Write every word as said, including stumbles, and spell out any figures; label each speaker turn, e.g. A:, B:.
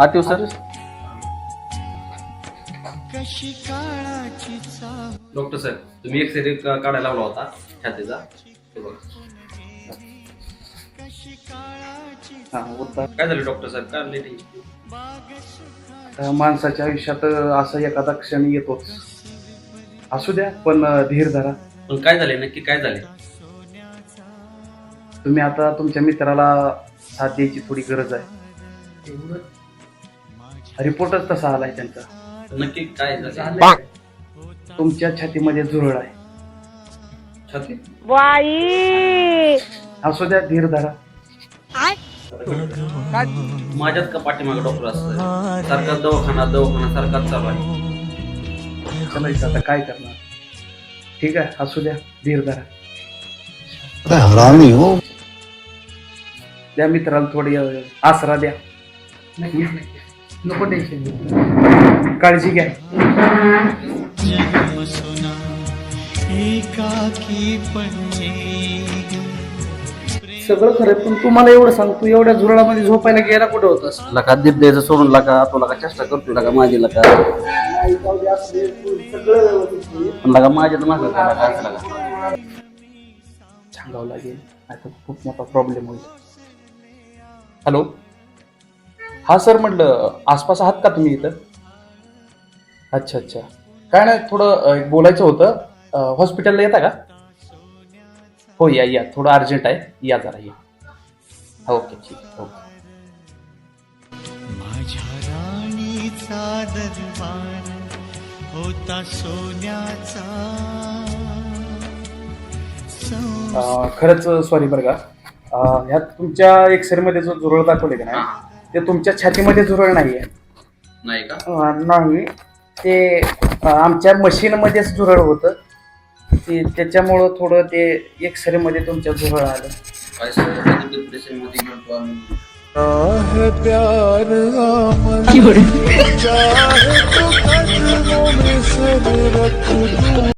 A: आठव sir.
B: Doctor साहेब तुम्ही x ray काढायला लावला होता छातीचा.
A: हा होता.
B: काय झालं डॉक्टर साहेब काय लेट?
A: माणसाच्या आयुष्यात असा एखादा क्षण येतोच. असू द्या पण धीर धरा.
B: पण काय झाले नक्की काय झाले?
A: तुम्ही आता तुमच्या मित्राला साथ द्यायची थोडी गरज आहे. रिपोर्टच तसा आलाय त्यांचा.
B: नक्की काय झालं?
A: तुमच्या छातीमध्ये झुरळ आहे.
B: छाती?
A: असू द्या धीर धरा.
B: माझ्यात का पाठीमागे डॉक्टर असतं सारखा दवाखाना दवाखाना सारखाच चालू आहे.
A: चलायचं आता काय करणार. ठीक आहे असू द्या धीर धरा.
C: हरामी हो.
A: द्या मित्राला थोडी आसरा द्या.
D: नको टेन्शन.
A: काळजी घ्या. सगळं खरं पण तुम्हाला एवढं सांगतो एवढ्या झुरळामध्ये झोपायला गेला कुठं होतास?
B: लका दीप द्यायचं सोडून लका तो लका चेष्टा करतो लका माझी लका पण लका माझ्या तर मागं काय लका असं लका
A: सांगावं लागेल आता खूप मोठा प्रॉब्लेम होईल. हॅलो हा सर म्हटलं आसपास आहात का तुम्ही इथं? अच्छा अच्छा काय नाही थोडं एक बोलायचं होतं. हॉस्पिटलला येता का? हो या या थोडं अर्जंट आहे या जरा या. ओके ठीक ओके.
E: माझ्या राणीचा दरबार होता सोन्याचा.
A: अं, खरंच सॉरी बरं का. अं, ह्यात तुमच्या एक्सरे मध्ये जो झुरळ दाखवले का नाही ते तुमच्या छातीमध्ये झुरळ नाही आहे.
B: नाही का?
A: अं, नाही ते अं, आमच्या मशीनमध्येच झुरळ होतं ते त्याच्यामुळं थोडं ते एक्सरे मध्ये तुमच्या झुरळ आलं.
B: काय सांगतो डिप्रेशन मध्ये गेलो आम्ही.
C: प्यार